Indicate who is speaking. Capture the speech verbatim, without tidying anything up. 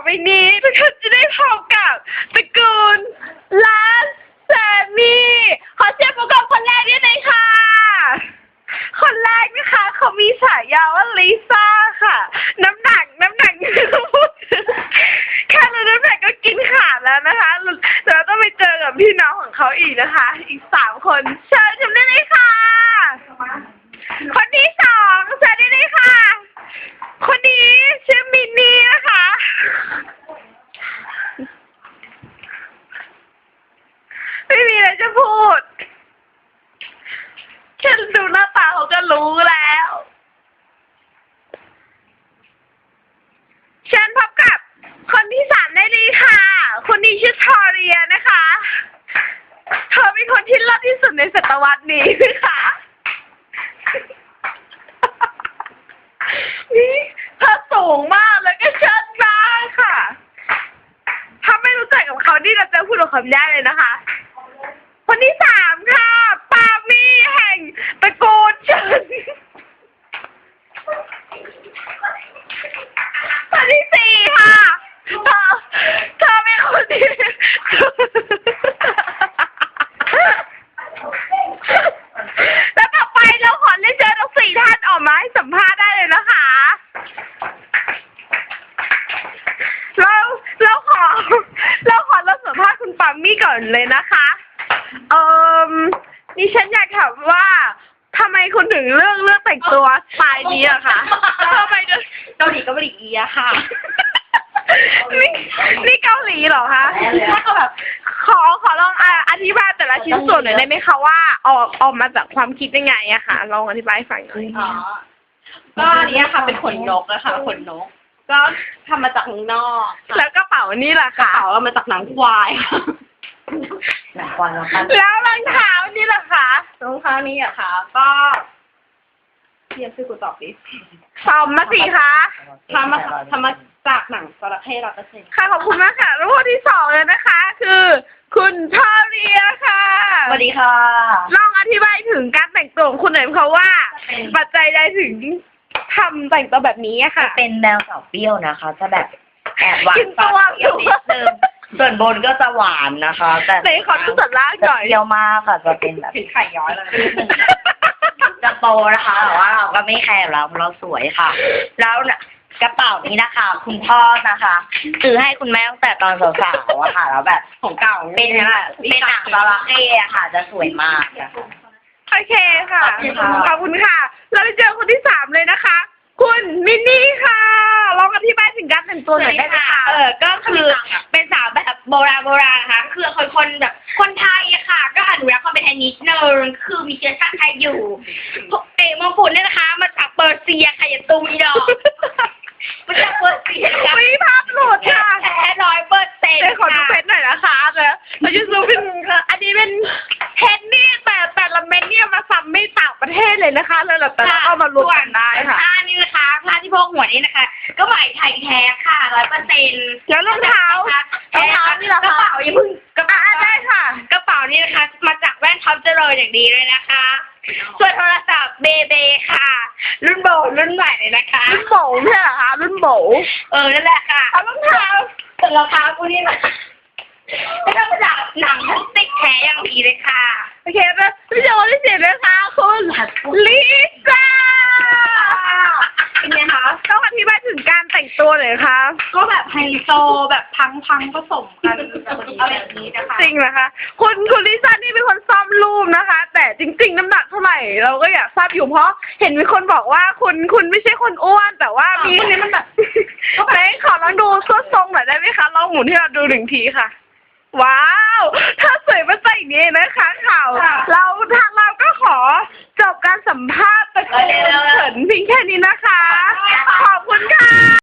Speaker 1: ไปนี้ทุกคนจะได้พบกับตระกูลร้านแซมมี่ขอเสียงประกอบคนแรกด้วยหน่อยค่ะคนแรกนะคะเขามีฉายาว่าลิซ่าค่ะน้ำหนักน้ำหนักแค่รู้น้ำหนักก็กินขาดแล้วนะคะเราต้องไปเจอกับพี่น้องของเขาอีกนะคะอีกสามคนเชิญชมได้เลยค่ะคนที่สองเชิญได้เลยค่ะคนนี้ชื่อมินนี่นะคะไม่มีอะไรจะพูดแค่ดูหน้าตาเขาก็รู้แล้วเชิญพบกับคนที่สามได้เลยค่ะคนนี้ชื่อทอเรียนะคะเธอเป็นคนที่เลิศที่สุดในศตวรรษนี้นะคะนี่เธอสูงมากแล้วก็เชิดมากค่ะถ้าไม่รู้จักกับเขานี่เราจะพูดกับเขาไม่ได้เลยนะคะคนที่สามค่ะปามี่แห่งตระกูลเฉินคนที่สี่ค่ะเธอเธอเป็นคนที่แล้วต่อไปเราขอเรียนเชิญทั้งสี่ท่านออกมาให้สัมภาษณ์ได้เลยนะคะเราเราขอเราขอเราสัมภาษณ์คุณปามี่ก่อนเลยนะคะเอ่อนี่ฉันอยากถามว่าทำไมคุณถึงเลือกเลือกแต่งตัวสไตล์นี้อะคะทำไมถึง
Speaker 2: เกาหลีเกาหลีอีอะค่ะ
Speaker 1: นี่นี่เกาหลีเหรอคะถ้าก็แบบขอขอลองอธิบายแต่ละชิ้นส่วนหน่อยได้ไหมคะว่าออกออกมาจากความคิดยังไงอะค่ะลองอธิบายให้ฟังหน่อย
Speaker 2: อ๋อก็อันนี้ค่ะเป็นขนนกนะคะขนนกก็ทำมาจากข้างนอก
Speaker 1: แล้วกระเป๋านี่ล่ะค่ะ
Speaker 2: กระเป๋ามาจากหนังควายหนังควาย
Speaker 1: แล้วรองเท้านี่ล่ะค่ะ
Speaker 2: รองเท้านี้อะค่ะก็เทียบชื่อกูตอบดิ
Speaker 1: ตอบมาสิคะ
Speaker 2: ทำมาทำมาจากหนังจระเข้ร้อยเปอร์เซ็นต์
Speaker 1: ค่ะขอบคุณมากค่ะแล้วคนที่สองเลยนะคะ คือคุณทอเรียค่ะ
Speaker 2: สวัสดีค่ะ
Speaker 1: ลองอธิบายถึงการแต่งตัวของคุณหน่อยเพราะว่าปัจจัยใดถึงทำแต่งตัวแบบนี้ค่ะ
Speaker 3: เป็นแนวสาวเปรี้ยวนะคะจะแบบแอบหวาน
Speaker 1: ปาก
Speaker 3: เปรี้ยวนิดนึงส่วนบนก็จะหวานนะคะแต่
Speaker 1: ในขอดูส่วนล่างหน่อย
Speaker 3: เปรี้ยวมากค่ะจะเป็นแบบ
Speaker 2: ไข่ย้อยเลย
Speaker 3: จะโตนะคะแต่ว่าเราก็ไม่แคร์เราเราสวยค่ะแล้วกระเป๋านี้นะคะคุณพ่อนะคะซื้อให้คุณแม่ตั้งแต่ตอนสาวๆอะค่ะแล้วแบบ
Speaker 2: ของเก่า
Speaker 3: เป็นเป็นหนังจระเข้อะค่ะจะสวยมากนะคะ
Speaker 1: โอเคค่ะขอบคุณค่ะเราไปเจอคนที่สามเลยนะคะคุณมินนี่ค่ะลองอธิบายถึงการแต่งตัวหน่อยได้ไหมคะ
Speaker 2: เออก็คือเป็นสาวแบบโบราณโบราณนะคะคือคนคนแบบคนไทยอะค่ะก็อนุรักษ์ความเป็นไทยนิดนึงคือมีเชื้อชาติไทยอยู่เอ๋มงกุฎเนี่ยนะคะมาจากเปอร์เซียค่ะอย่าตูมีดอกมาจากเปอร์เซียค่ะ
Speaker 1: มีภาพหลุดค่ะ
Speaker 2: แท้ร้อยเปอร์เซ็นต์
Speaker 1: ขอดูเพชรหน่อยนะคะเลยเราจะซูมเป็นอันนี้เป็นเพชรนี่แต่แต่ละเม็ดเนี่ยมาซ้ำไม่ต่างประเทศเลยนะคะเลยแต่ละก็มารวมกันได้ค่ะ
Speaker 2: ผ้านี่นะคะผ้าที่พกหัวนี่นะคะก็ไหมไทยแท้ค่ะร้อยเปอร์เซ็นต์
Speaker 1: แล้วรองเท้ารองเท้านี่เหรอก
Speaker 2: ระเป๋าอย่าเพิ่ง
Speaker 1: กระเป๋าได้ค่ะ
Speaker 2: กระเป๋านี่นะคะมาจากแว่นท็อปเจริญอย่างดีเลยนะคะส่วนโทรศัพท์เบเบค่ะรุ่นโบรุ่นใหม่เลยนะคะ
Speaker 1: รุ่นโบใช่เหรอคะรุ่นโบ
Speaker 2: เออนั่นแหละค่ะ
Speaker 1: เอารองเท้า
Speaker 2: แต่รองเท้ากูนี่นะไม่ต้องมาจากหนังพลาสติกแท้อย่างดีเลยค่ะ
Speaker 1: โอเคนะพี่โจที่เสียนะคะคุณลิซ่า
Speaker 2: เป็นไงคะ
Speaker 1: ต้องอธิบายถึงการแต่งตัวหน่อยคะ
Speaker 2: ก็แบบไฮโซแบบพังพังผสมกันอะไรแบบนี้นะคะ
Speaker 1: จริงนะคะคุณคุณลิซ่านี่เป็นคนซ่อมรูปนะคะแต่จริงๆน้ำหนักเท่าไหร่เราก็อยากทราบอยู่เพราะเห็นมีคนบอกว่าคุณคุณไม่ใช่คนอ้วนแต่ว่ามีนี่มันแบบไหนขอลองดูส้นทรงหน่อยได้ไหมคะลองหมุนให้เราดูหนึ่งทีค่ะว้าวถ้าสวยมาใส่อย่างนี้นะคะ